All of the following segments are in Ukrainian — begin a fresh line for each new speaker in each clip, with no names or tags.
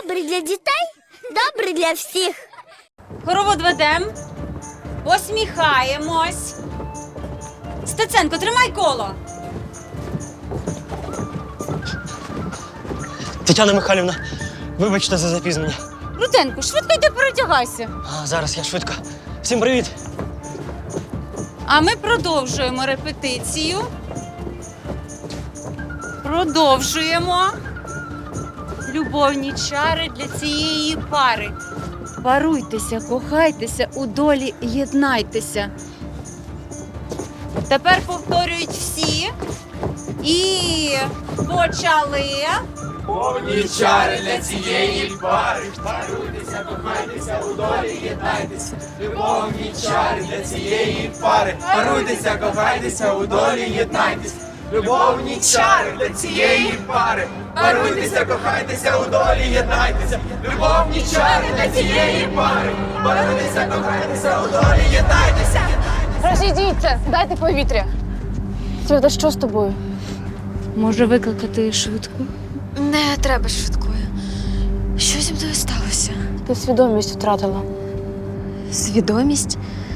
Добрий для дітей, добрий для всіх.
Хоровод ведем. Посміхаємось. Стеценко, тримай коло.
Тетяна Михайлівна, вибачте за запізнення.
Руденко, швидко йди перетягайся.
Зараз я швидко. Всім привіт!
А ми продовжуємо репетицію. Продовжуємо. Любовні чари для цієї пари. Паруйтеся, кохайтеся, у долі єднайтеся. Тепер повторюють всі. І почали.
Повні чари для цієї пари. Паруйтеся, кохайтеся, у долі єднайтеся. Любовні чари для цієї пари. Паруйтеся, кохайтеся, у долі єднайтеся. Любовні чари для цієї пари. Паруйтеся, кохайтеся, у долі єднайтеся. Любовні чари для цієї пари. Паруйтеся, кохайтеся, у долі єднайтеся.
Розійдіться, дайте повітря. Свята, що з тобою?
Може викликати швидку?
Не треба швидкою. Що зі мною сталося? Ти свідомість втратила. Свідомість?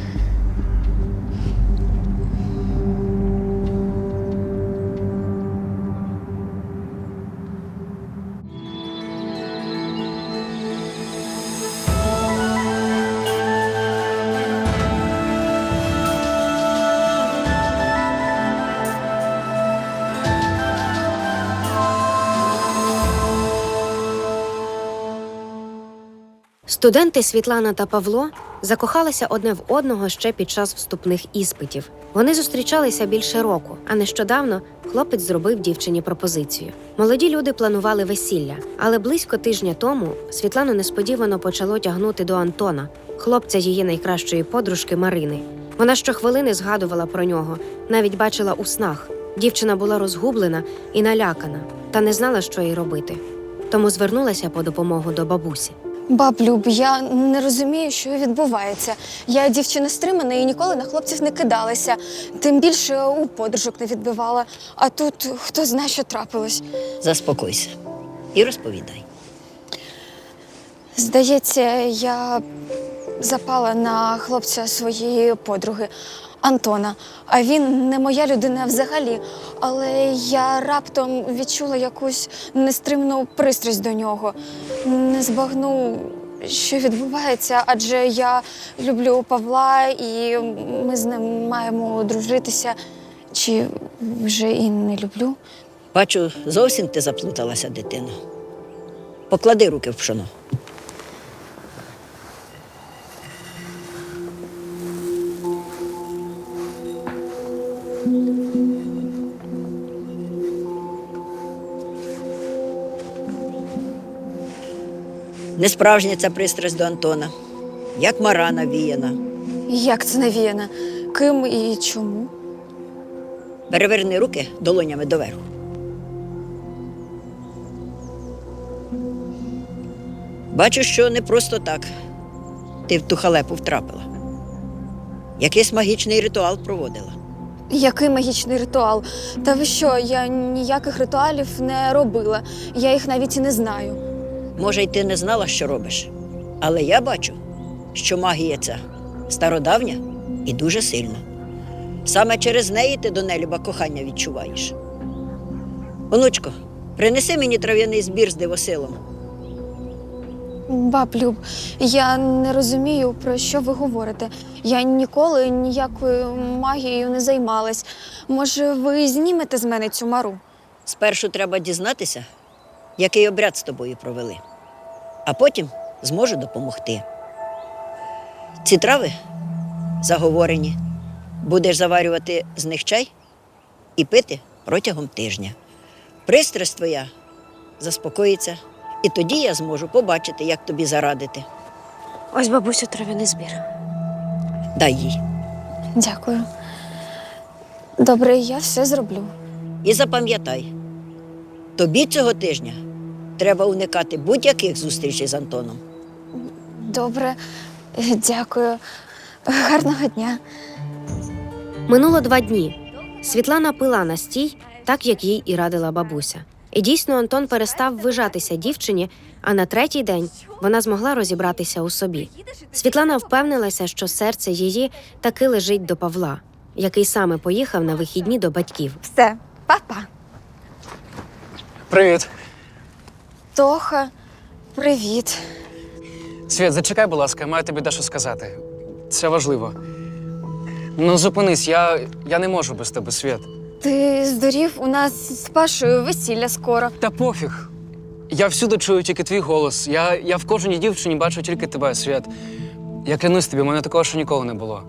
Студенти Світлана та Павло закохалися одне в одного ще під час вступних іспитів. Вони зустрічалися більше року, а нещодавно хлопець зробив дівчині пропозицію. Молоді люди планували весілля, але близько тижня тому Світлану несподівано почало тягнути до Антона, хлопця її найкращої подружки Марини. Вона щохвилини згадувала про нього, навіть бачила у снах. Дівчина була розгублена і налякана, та не знала, що їй робити. Тому звернулася по допомогу до бабусі.
Баб Люб, я не розумію, що відбувається. Я дівчина стримана і ніколи на хлопців не кидалася. Тим більше у подружок не відбивала. А тут хто знає, що трапилось.
Заспокойся і розповідай.
Здається, я запала на хлопця своєї подруги Антона. А він не моя людина взагалі. Але я раптом відчула якусь нестримну пристрасть до нього. Не збагну, що відбувається, адже я люблю Павла і ми з ним маємо дружитися. Чи вже і не люблю?
Бачу, зовсім ти заплуталася, дитино. Поклади руки в пшоно. Несправжня ця пристрасть до Антона, як мара навіяна.
Як це навіяно? Ким і чому?
Переверни руки долонями доверху. Бачу, що не просто так ти в ту халепу втрапила. Якийсь магічний ритуал проводила.
Який магічний ритуал? Та ви що, я ніяких ритуалів не робила. Я їх навіть і не знаю.
Може, й ти не знала, що робиш, але я бачу, що магія ця стародавня і дуже сильна. Саме через неї ти до нелюба кохання відчуваєш. Онучко, принеси мені трав'яний збір з дивосилом.
Баб Люб, я не розумію, про що ви говорите. Я ніколи ніякою магією не займалась. Може, ви знімете з мене цю мару?
Спершу треба дізнатися, який обряд з тобою провели, а потім зможу допомогти. Ці трави заговорені. Будеш заварювати з них чай і пити протягом тижня. Пристрасть твоя заспокоїться, і тоді я зможу побачити, як тобі зарадити.
Ось, бабусю, трав'яний збір.
Дай їй.
Дякую. Добре, я все зроблю.
І запам'ятай, тобі цього тижня треба уникати будь-яких зустрічей з Антоном.
Добре, дякую. Гарного дня.
Минуло 2 дні. Світлана пила настій, так як їй і радила бабуся. І дійсно Антон перестав вижатися дівчині, а на третій день вона змогла розібратися у собі. Світлана впевнилася, що серце її таки лежить до Павла, який саме поїхав на вихідні до батьків.
Все, па-па.
Привіт.
Тоха, привіт.
Світ, зачекай, будь ласка, маю тобі дещо сказати. Це важливо. Ну, зупинись, я не можу без тебе, Світ.
Ти здурів, у нас з Пашою весілля скоро.
Та пофіг. Я всюди чую тільки твій голос. Я в кожній дівчині бачу тільки тебе, Світ. Я клянусь тобі, у мене такого ще ніколи не було.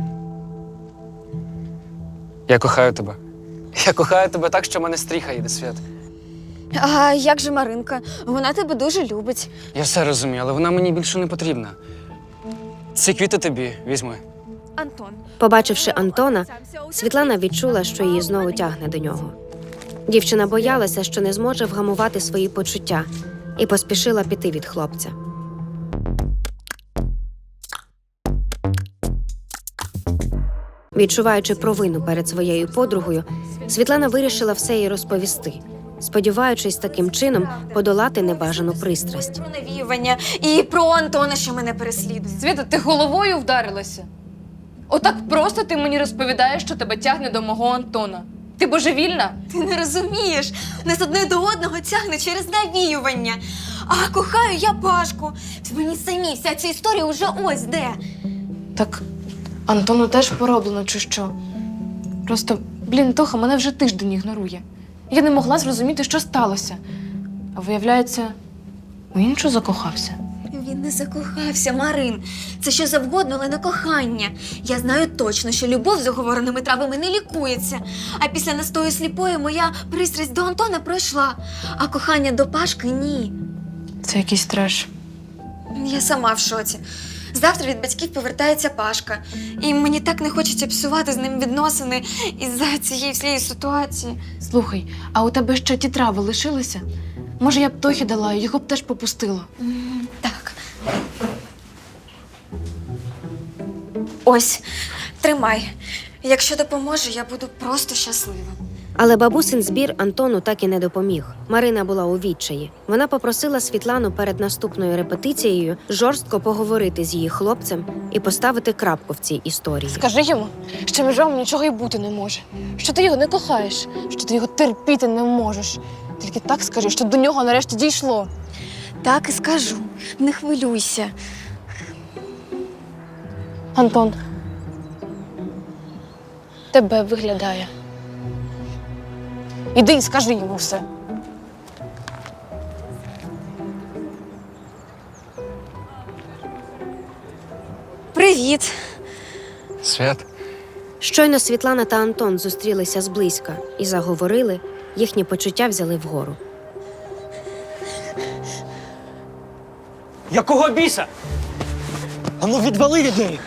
Я кохаю тебе. Я кохаю тебе так, що в мене стріха йде, Світ.
А як же Маринка? Вона тебе дуже любить.
Я все розумію, але вона мені більше не потрібна. Ці квіти тобі візьми.
Антон.
Побачивши Антона, Світлана відчула, що її знову тягне до нього. Дівчина боялася, що не зможе вгамувати свої почуття, і поспішила піти від хлопця. Відчуваючи провину перед своєю подругою, Світлана вирішила все їй розповісти, сподіваючись таким чином подолати небажану пристрасть.
Про навіювання і про Антона, що мене переслідує.
Світа, ти головою вдарилася? Отак просто ти мені розповідаєш, що тебе тягне до мого Антона. Ти божевільна?
Ти не розумієш. Нас одне до одного тягне через навіювання. А кохаю я Пашку. Мені самі вся ця історія вже ось де.
Так Антону теж пороблено, чи що? Просто, Тоха мене вже тиждень ігнорує. Я не могла зрозуміти, що сталося. А виявляється, у іншу закохався.
Він не закохався, Марин. Це що завгодно, але не кохання. Я знаю точно, що любов з оговореними травами не лікується. А після настою сліпої моя пристрасть до Антона пройшла. А кохання до Пашки – ні.
Це якийсь треш.
Я сама в шоці. Завтра від батьків повертається Пашка. І мені так не хочеться псувати з ним відносини із-за цієї всієї ситуації.
Слухай, а у тебе ще ті трави лишилися? Може, я б Тохі дала, його б теж попустила.
Так. Ось, тримай. Якщо допоможе, я буду просто щаслива.
Але бабусин збір Антону так і не допоміг. Марина була у відчаї. Вона попросила Світлану перед наступною репетицією жорстко поговорити з її хлопцем і поставити крапку в цій історії.
Скажи йому, що між вами нічого й бути не може. Що ти його не кохаєш, що ти його терпіти не можеш. Тільки так скажи, що до нього нарешті дійшло.
Так і скажу. Не хвилюйся.
Антон, тебе виглядає. Іди і скажи йому все.
Привіт.
Світ.
Щойно Світлана та Антон зустрілися зблизька і заговорили, їхні почуття взяли вгору.
Якого біса? Ану відвали від неї!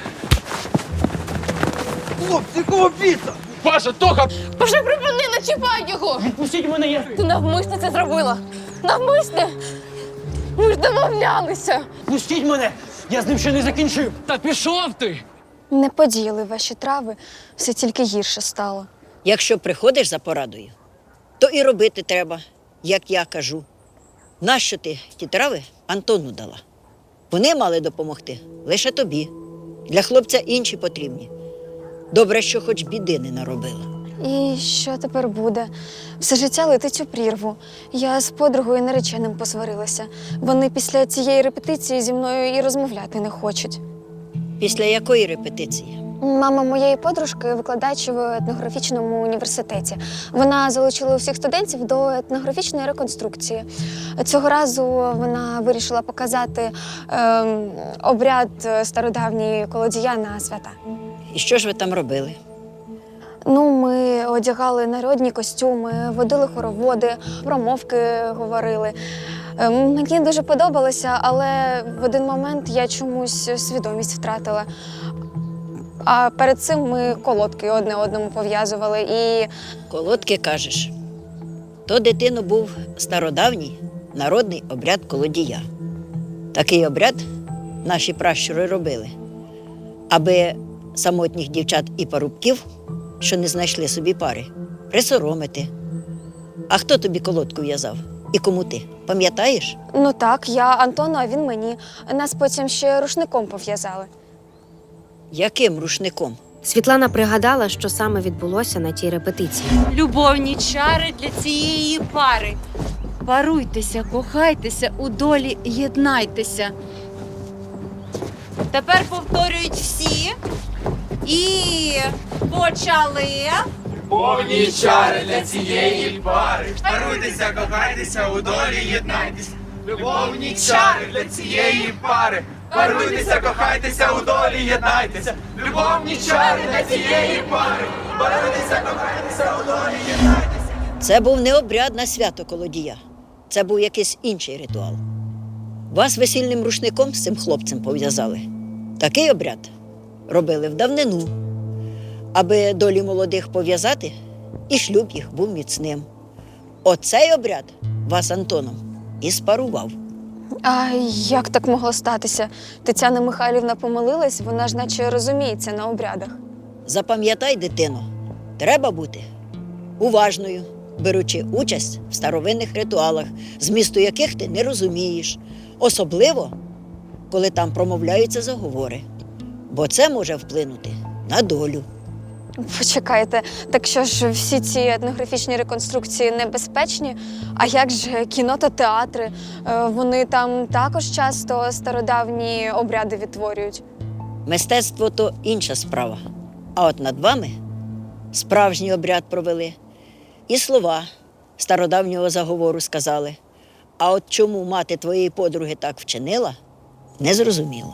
Хлопці, кого біса? Паша, Тоха!
Боже, припини, не чіпай його!
Відпустіть мене, я...
Ти навмисно це зробила! Навмисне! Ми ж домовлялися!
Пустіть мене! Я з ним ще не закінчив!
Та пішов ти!
Не подіяли ваші трави, все тільки гірше стало.
Якщо приходиш за порадою, то і робити треба, як я кажу. Нащо ти ті трави Антону дала? Вони мали допомогти лише тобі. Для хлопця інші потрібні. Добре, що хоч біди не наробила.
І що тепер буде? Все життя летить у прірву. Я з подругою нареченим посварилася. Вони після цієї репетиції зі мною і розмовляти не хочуть.
Після якої репетиції?
Мама моєї подружки – викладач в етнографічному університеті. Вона залучила усіх студентів до етнографічної реконструкції. Цього разу вона вирішила показати обряд стародавній колодія на свята.
І що ж ви там робили?
Ну, ми одягали народні костюми, водили хороводи, промовки говорили. Мені дуже подобалося, але в один момент я чомусь свідомість втратила. А перед цим ми колодки одне одному пов'язували і…
Колодки, кажеш. То, дитино, був стародавній народний обряд колодія. Такий обряд наші пращури робили, аби самотніх дівчат і парубків, що не знайшли собі пари, присоромити, А хто тобі колодку в'язав? І кому ти? Пам'ятаєш?
Ну так, я Антону, а він мені. Нас потім ще рушником пов'язали.
Яким рушником?
Світлана пригадала, що саме відбулося на тій репетиції.
Любовні чари для цієї пари. Паруйтеся, кохайтеся, у долі єднайтеся. Тепер повторюють всі. І почали.
Любовні чари для цієї пари. Паруйтеся, кохайтеся, у долі єднайтеся. Любовні чари для цієї пари. Паруйтеся, кохайтеся, у долі єднайтеся. Любовні чари для цієї пари. Паруйтеся, кохайтеся, у долі єднайтеся.
Це був не обряд на свято колодія. Це був якийсь інший ритуал. Вас весільним рушником з цим хлопцем пов'язали. Такий обряд робили в давнину, аби долі молодих пов'язати, і шлюб їх був міцним. Оцей обряд вас Антоном і спарував.
А як так могло статися? Тетяна Михайлівна помилилась, вона ж наче розуміється на обрядах.
Запам'ятай, дитино, треба бути уважною, беручи участь в старовинних ритуалах, змісту яких ти не розумієш, особливо, коли там промовляються заговори, бо це може вплинути на долю.
Почекайте, так що ж всі ці етнографічні реконструкції небезпечні? А як же кіно та театри? Вони там також часто стародавні обряди відтворюють.
Мистецтво – то інша справа. А от над вами справжній обряд провели. І слова стародавнього заговору сказали. А от чому мати твоєї подруги так вчинила – незрозуміло.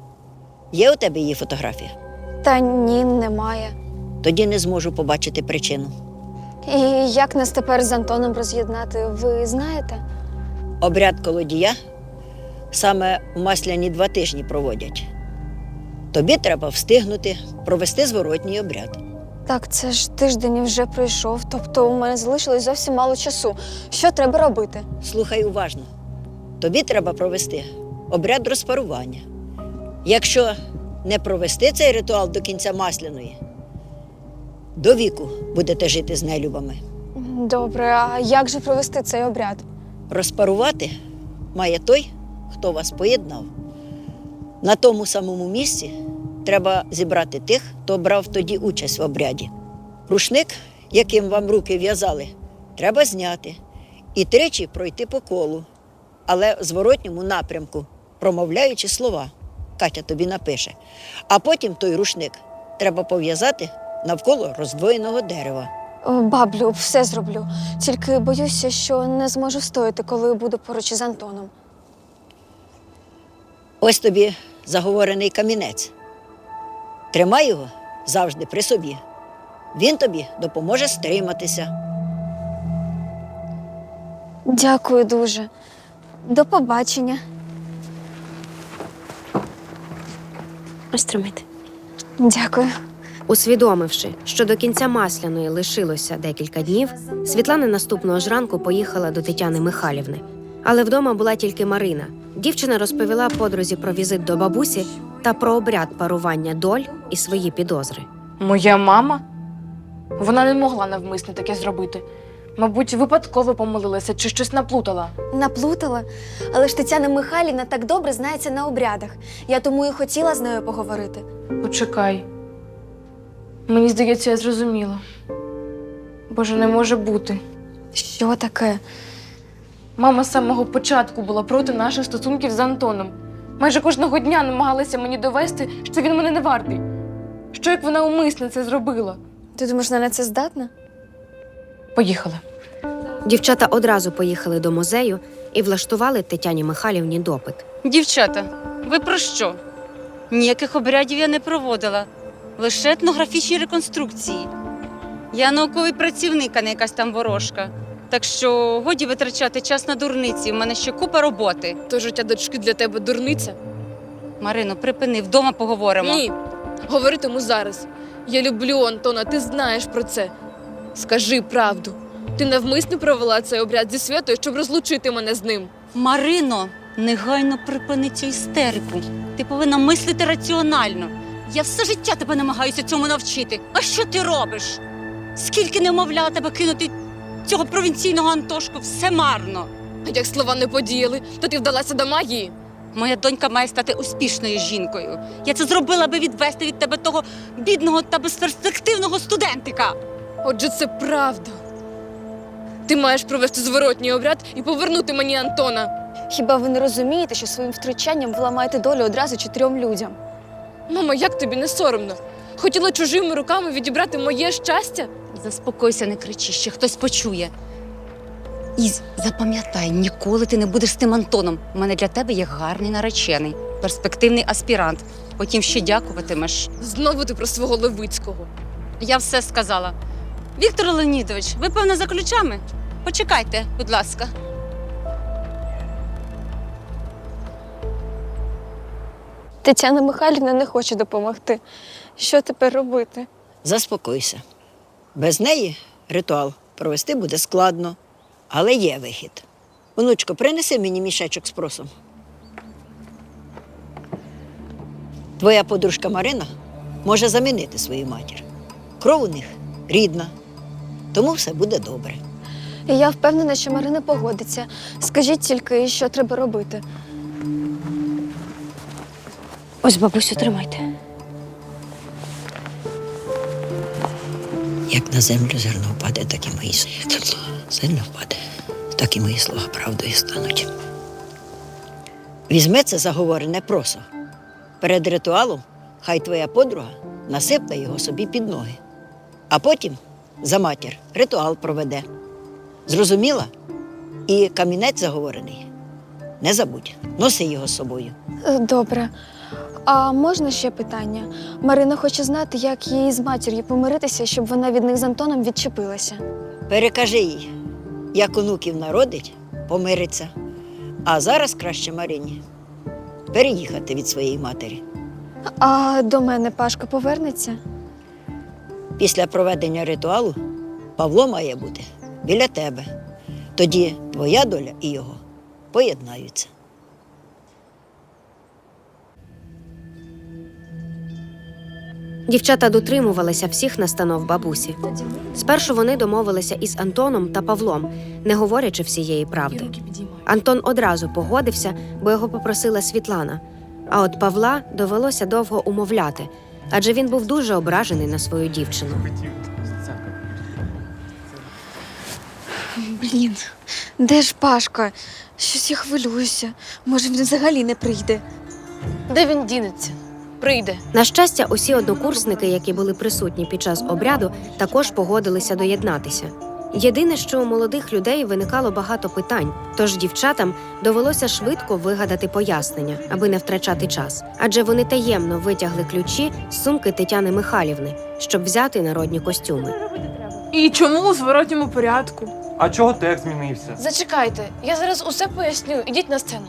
Є у тебе її фотографія?
Та ні, немає.
Тоді не зможу побачити причину.
І як нас тепер з Антоном роз'єднати, ви знаєте?
Обряд колодія саме в масляні 2 тижні проводять. Тобі треба встигнути провести зворотній обряд.
Так, це ж тиждень вже пройшов, тобто у мене залишилось зовсім мало часу. Що треба робити?
Слухай уважно. Тобі треба провести обряд розпарування. Якщо не провести цей ритуал до кінця масляної, до віку будете жити з нелюбами.
Добре, а як же провести цей обряд?
Розпарувати має той, хто вас поєднав. На тому самому місці треба зібрати тих, хто брав тоді участь в обряді. Рушник, яким вам руки в'язали, треба зняти і 3 пройти по колу, але в зворотньому напрямку, промовляючи слова. Катя тобі напише. А потім той рушник треба пов'язати навколо роздвоєного дерева.
Баблю, все зроблю. Тільки боюся, що не зможу стояти, коли буду поруч із Антоном.
Ось тобі заговорений камінець. Тримай його завжди при собі. Він тобі допоможе стриматися.
Дякую дуже. До побачення.
Ось тримайте.
Дякую.
Усвідомивши, що до кінця масляної лишилося декілька днів, Світлана наступного ж ранку поїхала до Тетяни Михайлівни. Але вдома була тільки Марина. Дівчина розповіла подрузі про візит до бабусі та про обряд парування доль і свої підозри.
Моя мама? Вона не могла навмисно таке зробити. Мабуть, випадково помилилася чи щось наплутала.
Наплутала? Але ж Тетяна Михайлівна так добре знається на обрядах. Я тому і хотіла з нею поговорити.
Почекай. Мені здається, я зрозуміла. Боже, не може бути.
Що таке?
Мама з самого початку була проти наших стосунків з Антоном. Майже кожного дня намагалася мені довести, що він мене не вартий. Що як вона умисно це зробила?
Ти думаєш, вона на це здатна?
Поїхали.
Дівчата одразу поїхали до музею і влаштували Тетяні Михайлівні допит.
Дівчата, ви про що? Ніяких обрядів я не проводила. Лише етнографічні реконструкції. Я науковий працівник, а не якась там ворожка. Так що годі витрачати час на дурниці, в мене ще купа роботи.
То життя дочки для тебе дурниця?
Марино, припини, вдома поговоримо.
Ні, говоритиму зараз. Я люблю Антона, ти знаєш про це. Скажи правду. Ти навмисно провела цей обряд зі Святою, щоб розлучити мене з ним.
Марино, негайно припини цю істерику. Ти повинна мислити раціонально. Я все життя тебе намагаюся цьому навчити. А що ти робиш? Скільки не вмовляла тебе кинути цього провінційного Антошку, все марно.
А як слова не подіяли, то ти вдалася до магії.
Моя донька має стати успішною жінкою. Я це зробила, аби відвести від тебе того бідного та безперспективного студентика.
Отже, це правда. Ти маєш провести зворотній обряд і повернути мені Антона.
Хіба ви не розумієте, що своїм втручанням ви ламаєте долю одразу 4 людям?
Мама, як тобі не соромно? Хотіла чужими руками відібрати моє щастя?
Заспокойся, не кричи, ще хтось почує. І запам'ятай, ніколи ти не будеш з тим Антоном. У мене для тебе є гарний наречений, перспективний аспірант. Потім ще дякуватимеш.
Знову ти про свого Левицького.
Я все сказала. Віктор Леонідович, ви, певно, за ключами? Почекайте, будь ласка.
Тетяна Михайлівна не хоче допомогти. Що тепер робити?
Заспокойся. Без неї ритуал провести буде складно, але є вихід. Онучко, принеси мені мішечок з просом. Твоя подружка Марина може замінити свою матір. Кров у них рідна, тому все буде добре.
І я впевнена, що Марина погодиться. Скажіть тільки, що треба робити. Ось, бабусю, тримайте.
Як на землю зерно впаде, так і мої слова. Сильно впаде, так і мої слова правдою стануть. Візьми це заговорене просо. Перед ритуалом хай твоя подруга насипне його собі під ноги. А потім за матір ритуал проведе. Зрозуміла? І камінець заговорений. Не забудь, носи його з собою.
Добре. А можна ще питання? Марина хоче знати, як їй з матір'ю помиритися, щоб вона від них з Антоном відчепилася.
Перекажи їй, як онуків народить, помириться. А зараз краще Марині переїхати від своєї матері.
А до мене Пашка повернеться?
Після проведення ритуалу Павло має бути біля тебе. Тоді твоя доля і його поєднаються.
Дівчата дотримувалися всіх настанов бабусі. Спершу вони домовилися із Антоном та Павлом, не говорячи всієї правди. Антон одразу погодився, бо його попросила Світлана. А от Павла довелося довго умовляти, адже він був дуже ображений на свою дівчину.
Блін, де ж Пашка? Щось я хвилююся. Може, він взагалі не прийде.
Де він дінеться? Прийде.
На щастя, усі однокурсники, які були присутні під час обряду, також погодилися доєднатися. Єдине, що у молодих людей виникало багато питань, тож дівчатам довелося швидко вигадати пояснення, аби не втрачати час. Адже вони таємно витягли ключі з сумки Тетяни Михайлівни, щоб взяти народні костюми.
І чому у зворотньому порядку?
А чого текст змінився?
Зачекайте, я зараз усе поясню. Ідіть на сцену.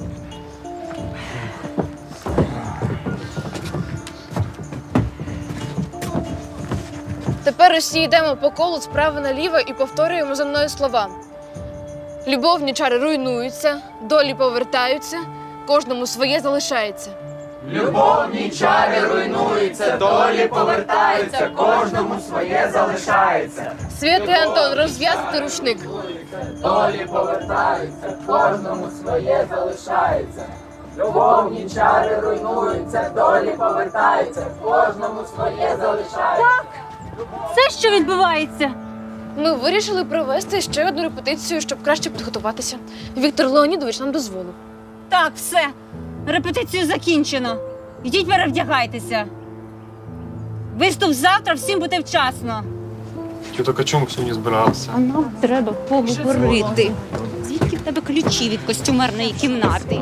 Тепер усі йдемо по колу справа наліво і повторюємо за мною слова. Любовні чари руйнуються, долі повертаються, кожному своє залишається.
Любовні чари руйнуються, долі повертаються, кожному своє залишається.
Святий Антон, розв'язати рушник.
Долі повертаються, кожному своє залишається. Любовні чари руйнуються, долі повертаються, кожному своє залишається.
Це що відбувається?
Ми вирішили провести ще одну репетицію, щоб краще підготуватися. Віктор Леонідович нам дозволив.
Так, все. Репетицію закінчено. Ідіть перевдягайтеся. Виступ завтра, всім бути вчасно.
Так о чому сьогодні збирався?
А нам треба поговорити. Звідки в тебе ключі від костюмерної кімнати?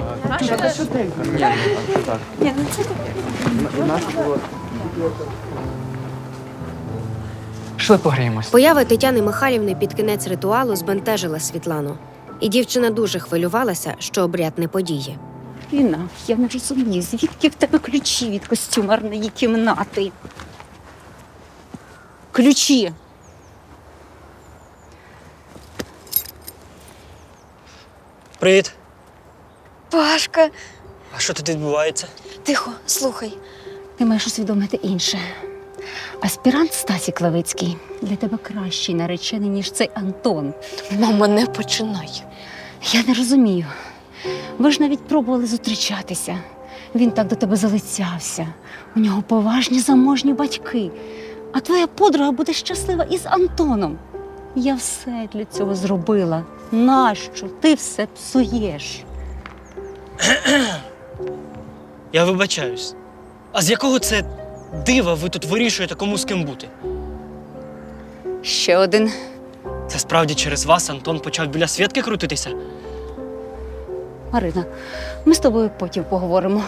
Пішли погріємось.
Поява Тетяни Михайлівни під кінець ритуалу збентежила Світлану. І дівчина дуже хвилювалася, що обряд не подіє.
Ліна, я не розумію, звідки в тебе ключі від костюмерної кімнати? Ключі.
Привіт.
Пашка,
А що тут відбувається?
тихо, слухай.
Ти маєш усвідомити інше. Аспірант Стасік Левицький для тебе кращий наречений, ніж цей Антон.
Мама, не починай.
Я не розумію. Ви ж навіть пробували зустрічатися. Він так до тебе залицявся. У нього поважні заможні батьки. А твоя подруга буде щаслива із Антоном. Я все для цього зробила. Нащо ти все псуєш?
Я вибачаюсь. А з якого це дива ви тут вирішуєте, кому з ким бути?
Ще один.
Це справді через вас Антон почав біля Свєтки крутитися?
Марина, ми з тобою потім поговоримо.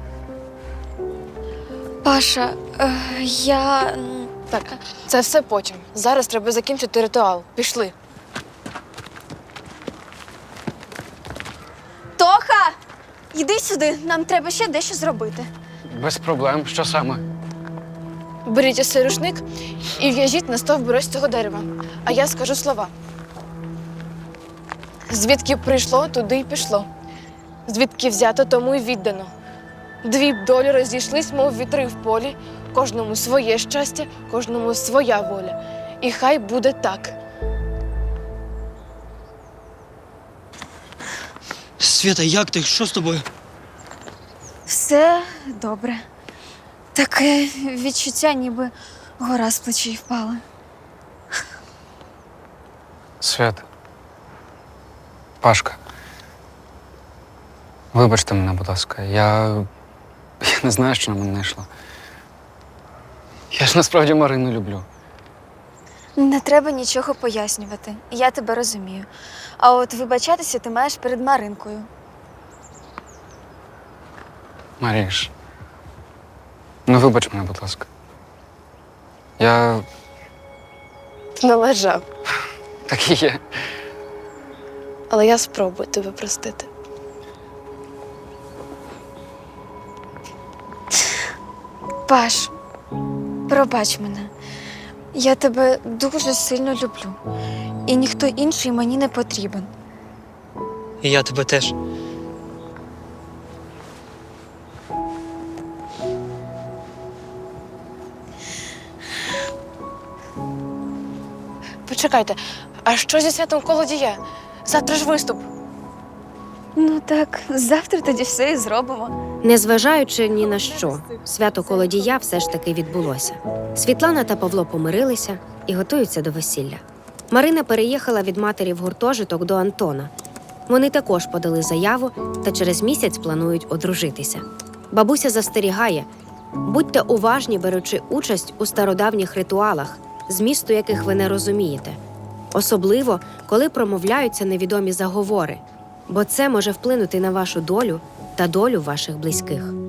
Паша, я.
Так, це все потім. Зараз треба закінчити ритуал. Пішли.
Тоха! Йди сюди, нам треба ще дещо зробити.
Без проблем. Що саме?
Беріть ось цей рушник і в'яжіть на стовбур ось цього дерева. А я скажу слова. Звідки прийшло, туди й пішло. Звідки взято, тому й віддано. Дві б долі розійшлись, мов вітри в полі. Кожному своє щастя, кожному своя воля. І хай буде так.
Свєта, як ти? Що з тобою?
Все добре. Таке відчуття, ніби гора з плечей впала.
Свят. Пашка. Вибачте мене, будь ласка. Я не знаю, що на мене найшло. Я ж насправді Марину люблю.
Не треба нічого пояснювати. Я тебе розумію. А от вибачатися ти маєш перед Маринкою.
Маріш. Ну, вибач мене, будь ласка. Я
Ти належав.
такий є.
Але я спробую тебе простити.
Паш, пробач мене. Я тебе дуже сильно люблю. І ніхто інший мені не потрібен.
І я тебе теж.
Почекайте, а що зі святом Колодія? Завтра ж виступ.
Ну так, завтра тоді все і зробимо.
Незважаючи ні на що, свято Колодія все ж таки відбулося. Світлана та Павло помирилися і готуються до весілля. Марина переїхала від матері в гуртожиток до Антона. Вони також подали заяву та через місяць планують одружитися. Бабуся застерігає: будьте уважні, беручи участь у стародавніх ритуалах, змісту яких ви не розумієте. Особливо, коли промовляються невідомі заговори, бо це може вплинути на вашу долю та долю ваших близьких.